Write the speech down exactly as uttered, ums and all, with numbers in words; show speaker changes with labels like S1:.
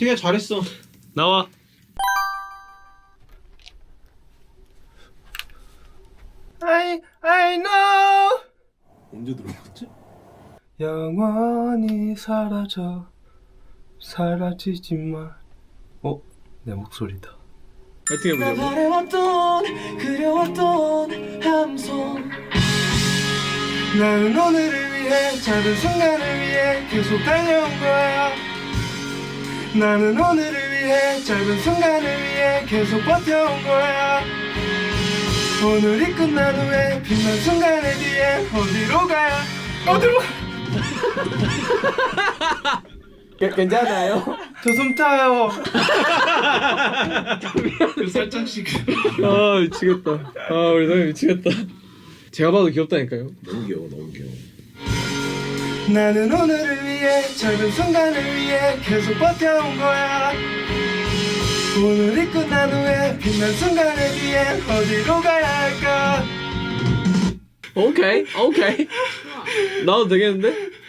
S1: 되게 잘했어.
S2: 나와.
S3: I I know
S1: 언제 들어갔지?
S3: 영원히 사라져 사라지지 마. 어? 내 목소리다.
S2: 파이팅 해보자고.
S3: 바래왔던 그려왔던 함성. 나는 오늘을 위해 작은 순간을 위해 계속 달려온 거야. 나는 오늘을 위해 작은 순간을 위해 계속 버텨온 거야. 오늘이 끝난 후에 빛난 순간에 뒤에 어디로 가야 어디로 가?
S4: 괜찮아요?
S3: 저 숨 타요.
S1: 살짝씩.
S2: 아 미치겠다. 아 우리 사람 미치겠다. 제가 봐도 귀엽다니까요.
S1: 너무 귀여워, 너무 귀여워.
S3: 나는 오늘을 위해 작은 순간을 위해 계속 버텨온 거야. 오늘이 끝난 후에 빛난 순간에 뒤엔 어디로 가야 할까?
S2: 오케이 오케이. 나도 되겠는데?